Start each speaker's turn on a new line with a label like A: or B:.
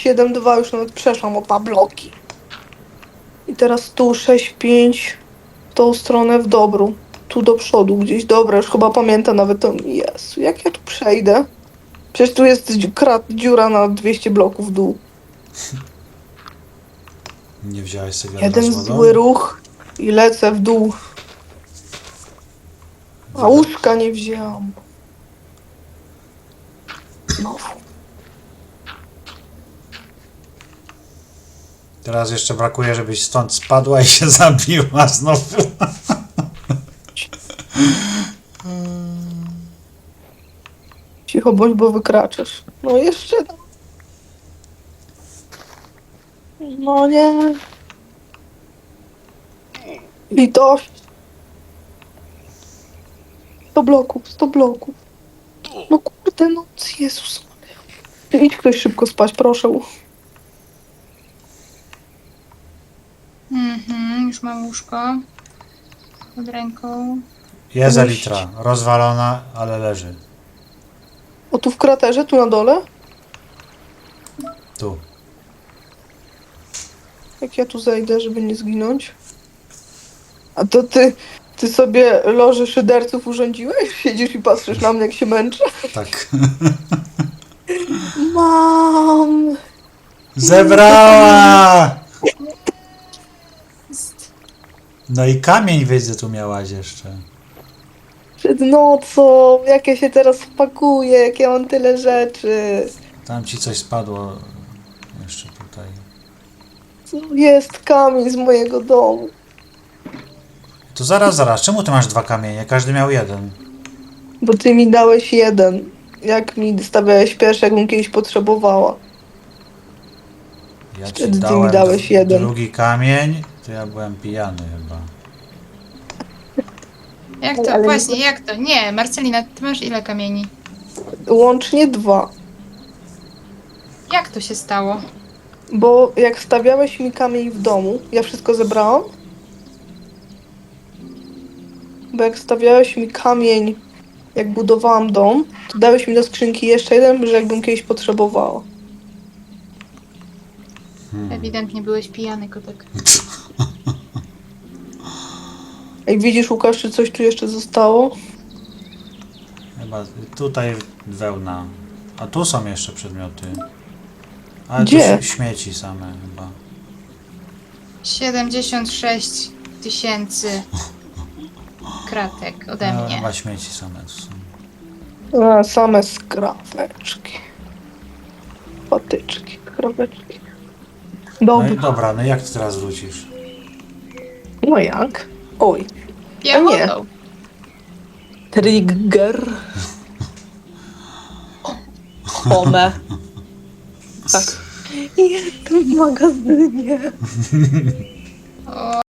A: 7,2 już nawet przeszłam o 2 bloki. I teraz tu 6,5 w tą stronę w dobru. Tu do przodu gdzieś. Dobra, już chyba pamiętam nawet to. Jezu, jak ja tu przejdę? Przecież tu jest dziura na 200 bloków w dół.
B: Nie wziąłeś sobie wiadra
A: Jeden
B: z wodą?
A: zły ruch i lecę w dół. A łóżka nie wzięłam. Znowu.
B: Teraz jeszcze brakuje, żebyś stąd spadła i się zabiła znowu.
A: Cicho bądź, bo wykraczasz. No jeszcze. No nie. Litość. 100 bloków, 100 bloków. No kurde, no Jezus. Idź ktoś szybko spać, proszę.
C: Już mam łóżko pod ręką.
B: Jest
A: Puść.
B: Elitra, rozwalona, ale leży.
A: O, tu w kraterze, tu na dole?
B: Tu.
A: Jak ja tu zejdę, żeby nie zginąć? A to ty sobie loży szyderców urządziłeś? Siedzisz i patrzysz na mnie, jak się męczę?
B: Tak.
A: Mam!
B: Zebrała! No i kamień widzę tu miałaś jeszcze.
A: Przed nocą, jak ja się teraz spakuję, jak ja mam tyle rzeczy.
B: Tam ci coś spadło jeszcze tutaj.
A: Tu jest kamień z mojego domu.
B: To zaraz, czemu ty masz 2 kamienie? Każdy miał jeden.
A: Bo ty mi dałeś jeden. Jak mi stawiałeś pierwszy, jakbym kiedyś potrzebowała.
B: Ja ci
A: Wtedy ty mi
B: dałem
A: dałeś jeden.
B: drugi kamień, to ja byłem pijany chyba.
C: Jak to?
A: Ale
C: Właśnie, jak to? Nie, Marcelina, ty masz ile kamieni?
A: Łącznie 2.
C: Jak to się stało?
A: Bo jak stawiałeś mi kamień w domu, ja wszystko zebrałam. Bo jak stawiałeś mi kamień, jak budowałam dom, to dałeś mi do skrzynki jeszcze jeden, że jakbym kiedyś potrzebowała.
C: Ewidentnie byłeś pijany, kotek.
A: Ej, widzisz, Łukasz, czy coś tu jeszcze zostało?
B: Chyba tutaj wełna. A tu są jeszcze przedmioty. Ale
A: Gdzie?
B: tu śmieci same chyba.
C: 76 000 kratek ode
B: No,
C: mnie.
B: chyba śmieci same tu są.
A: A, same skraweczki. Patyczki, skraweczki.
B: No i
A: Dobra.
B: dobra, no jak ty teraz wrócisz?
A: No jak? Oj.
C: Piechotą.
A: Trigger. Home. Tak. Jestem w magazynie.
C: O,